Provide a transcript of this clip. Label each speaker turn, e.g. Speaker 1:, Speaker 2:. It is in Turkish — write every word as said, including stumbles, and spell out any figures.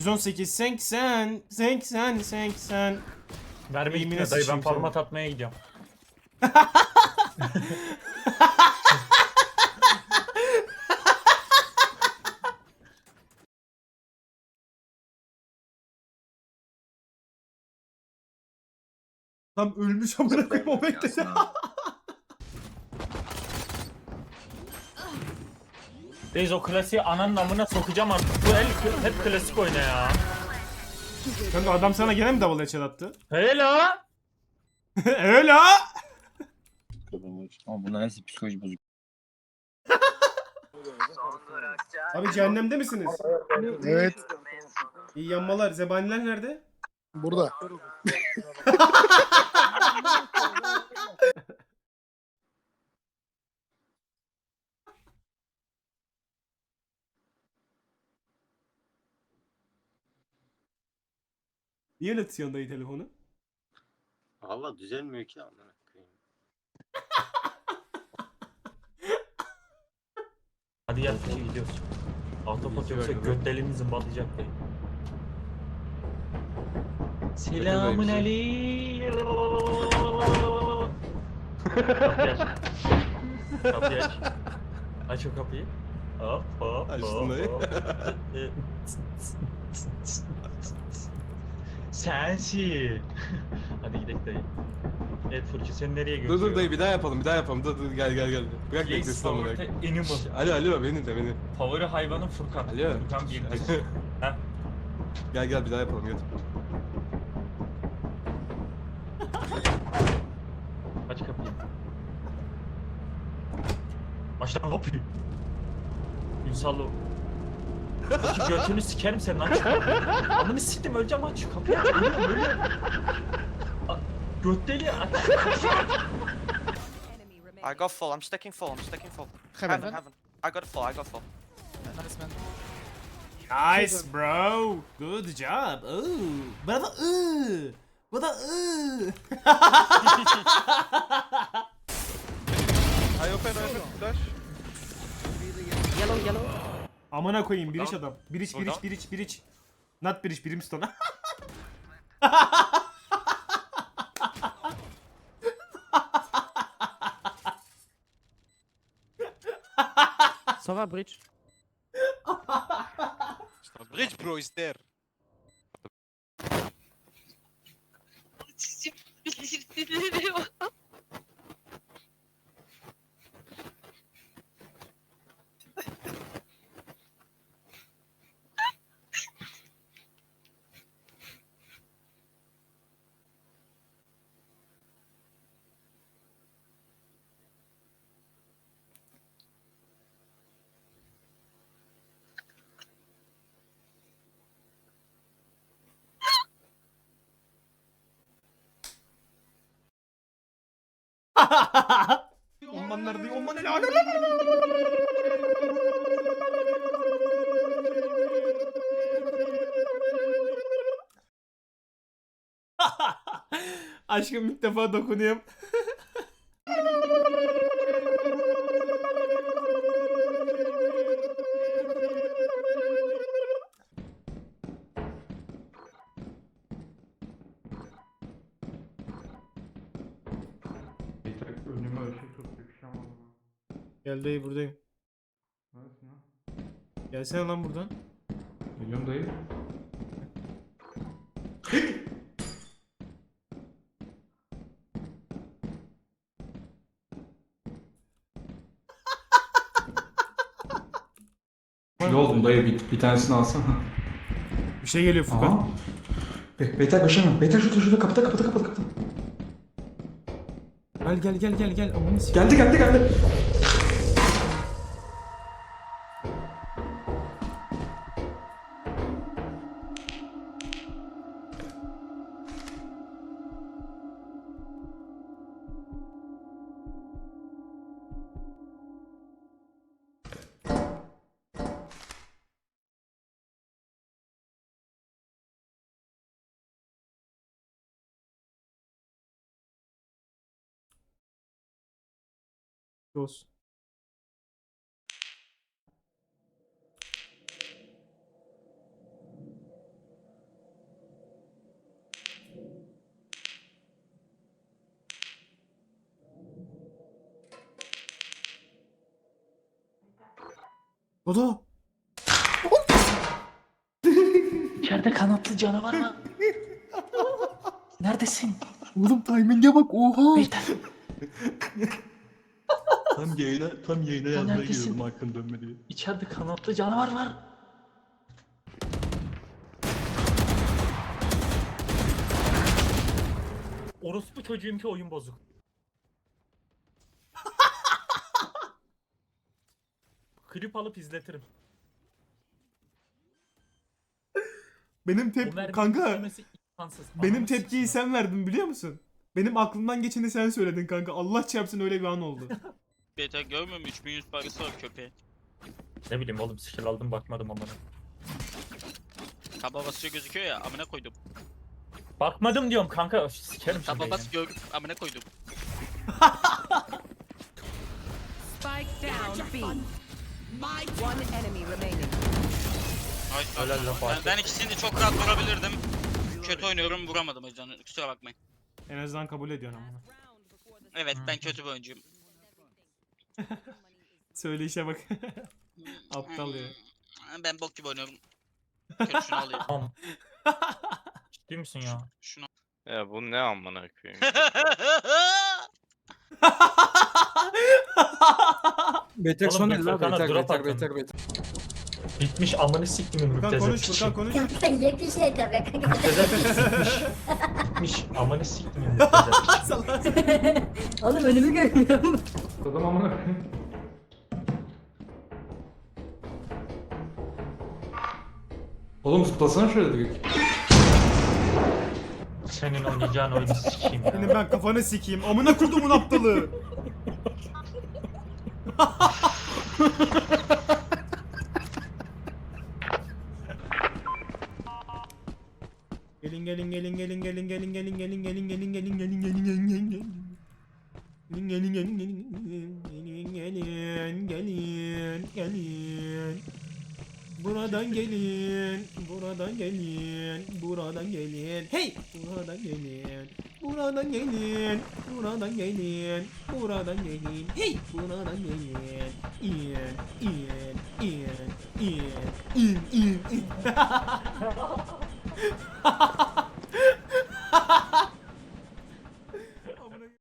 Speaker 1: yüz on sekiz, seksen, seksen, seksen.
Speaker 2: Verme
Speaker 1: Eğimine
Speaker 2: gitme dayı, ben
Speaker 1: sıçayım
Speaker 2: format
Speaker 1: seni.
Speaker 2: atmaya gidiyorum.
Speaker 1: Tam ölmüş amına koyayım o bekledi.
Speaker 2: Reis o klasiği ananın amına sokacağım artık. Bu el hep klasik oyna ya.
Speaker 1: Kanka adam sana gene mi double headshot attı?
Speaker 2: Hela.
Speaker 1: Öyle ha.
Speaker 3: Ama bunlar nasıl psikoloji bozuk?
Speaker 1: Abi cehennemde misiniz?
Speaker 4: Evet.
Speaker 1: İyi yanmalar. Zebaniler nerede?
Speaker 4: Burada.
Speaker 1: Niye öyle tutuyorsun dayı telefonu?
Speaker 5: Valla düzelmiyor ki amına koyayım.
Speaker 2: Hadi gel Fıçı gidiyoruz. Autopot yoksa götlerimizin batacak dayı. Selamun aleyküm. Kapıyı aç. Kapıyı aç. Aç o kapıyı. Hop hop
Speaker 5: Açtın
Speaker 2: hop,
Speaker 5: dayı.
Speaker 2: hop. Sensin. Hadi gidelim dayı. Evet Fırçı, seni nereye
Speaker 6: Dur
Speaker 2: götürüyor?
Speaker 6: dur dayı bir daha yapalım bir daha yapalım dur dur gel gel gel. Bırak
Speaker 2: Place
Speaker 6: beklesin onu
Speaker 2: favorite
Speaker 6: bırak.
Speaker 2: animal.
Speaker 6: Alo alo benim de benim.
Speaker 2: Favori hayvanım Furkan.
Speaker 6: Alo.
Speaker 2: Furkan bir Heh.
Speaker 6: Gel gel bir daha yapalım gel.
Speaker 2: Aç kapıyı. Aç lan kapıyı. Ünsallı. Fırçı götünü sikerim senin, aç şu kapıyı. Amını siktim, öleceğim, aç şu kapıyı, aç. Ölüyorum ölüyorum. A- Göt deli, aç şu kapıyı.
Speaker 7: I got full. I'm sticking full. I'm sticking full.
Speaker 4: Heaven.
Speaker 7: Heaven, heaven. I got full. I got full.
Speaker 4: Nice man.
Speaker 1: Nice bro. Good job. Ooh. Bravo. Ooh. Bu da ooh.
Speaker 5: I open open flash.
Speaker 7: Yellow, yellow.
Speaker 1: Amına koyayım bir iç adam. Bir iç bir iç bir iç bir iç. Not bir iç Brimstone.
Speaker 7: Sova bridge.
Speaker 5: Bridge bro is there.
Speaker 1: Ondan nerede? Ondan ne? Aşkım ilk defa dokunuyorum.
Speaker 8: Önüme ışık tuttu bir şey ama.
Speaker 1: Gel dayı buradayım.
Speaker 8: Neredesin lan?
Speaker 1: Gelsene lan buradan.
Speaker 8: Geliyorum dayı. Ne oldum dayı, bir, bir tanesini alsana.
Speaker 1: Bir şey geliyor Furkan.
Speaker 8: Aha. Be Beyler koşamam. Beyler şurada şurada kapıda kapıda kapıda kapıda.
Speaker 1: Gel gel gel gel gel. Aman s***.
Speaker 8: Geldi geldi geldi.
Speaker 1: Olsun. Dodo.
Speaker 2: İçeride kanatlı canavar var. Neredesin?
Speaker 1: Oğlum timing'e bak oha.
Speaker 2: Beyler.
Speaker 6: Tam yayına, tam yayına yazmaya
Speaker 2: neredesin?
Speaker 6: giriyorum hakkın dönme diye.
Speaker 2: İçeride kanatlı canavar var. Orospu çocuğum ki oyun bozuk. Klip alıp izletirim.
Speaker 1: Benim
Speaker 2: O
Speaker 1: tep
Speaker 2: merminin
Speaker 1: kanka
Speaker 2: yemesi imkansız.
Speaker 1: benim
Speaker 2: Ananı
Speaker 1: tepkiyi
Speaker 2: sikeyim.
Speaker 1: sen verdin biliyor musun? Benim aklımdan geçeni sen söyledin kanka. Allah çarpsın öyle bir an oldu.
Speaker 3: Beta görmüyor musun? üç bin yüz parası var köpeğin.
Speaker 2: Ne bileyim oğlum skill aldım bakmadım amına.
Speaker 3: Taba basıyor gözüküyor ya amına koydum.
Speaker 2: Bakmadım diyorum kanka sikerim şimdi.
Speaker 3: Taba
Speaker 2: yani.
Speaker 3: bas gör amına koydum.
Speaker 9: Spike down B. One enemy remaining.
Speaker 3: Ay,
Speaker 2: Helal
Speaker 3: ay.
Speaker 2: lan
Speaker 3: ben,
Speaker 2: Fatih.
Speaker 3: ben ikisini de çok rahat vurabilirdim. Kötü oynuyorum vuramadım o yüzden kusura bakmayın.
Speaker 1: En azından kabul ediyorsun ama.
Speaker 3: Evet ben kötü bir oyuncuyum.
Speaker 1: Söyleyişe bak. Aptal ya.
Speaker 3: Hmm, Ben bok gibi oynuyorum. Kötü şunu alayım.
Speaker 2: Tamam. Ciddi misin ya?
Speaker 3: Şunu.
Speaker 10: Ya bu ne amına koyayım?
Speaker 4: Beter
Speaker 2: Oğlum,
Speaker 4: son
Speaker 2: Beter
Speaker 4: el la
Speaker 2: kana
Speaker 4: beter
Speaker 2: drop
Speaker 4: beter
Speaker 2: attın.
Speaker 4: beter beter.
Speaker 2: Bitmiş amını siktimin
Speaker 1: Furkan
Speaker 2: müptezel
Speaker 1: konuş
Speaker 2: piçi.
Speaker 1: Furkan konuş.
Speaker 9: Yetmiş şey tabii.
Speaker 2: Müptezel piçi sikmiş. Bitmiş amını siktimin müptezel piçi.
Speaker 1: Salak.
Speaker 9: Oğlum önümü görmüyorum.
Speaker 8: Adam amına koyayım. Oğlum zıplasana şöyle direkt.
Speaker 2: Senin oynayacağın oyunu sikeyim
Speaker 1: Senin
Speaker 2: ya.
Speaker 1: ben kafanı sikeyim. Amına kurdumun aptalı. Gelin gelin gelin gelin gelin gelin gelin gelin gelin gelin gelin gelin gelin gelin gelin. Gelin gelin gelin gelin gelin gelin gelin gelin. Buradan gelin, buradan gelin, buradan gelin. Hey! Buradan gelin, buradan gelin, buradan gelin, buradan gelin. Hey! Buradan gelin. İn, in, in, in, in, in, in.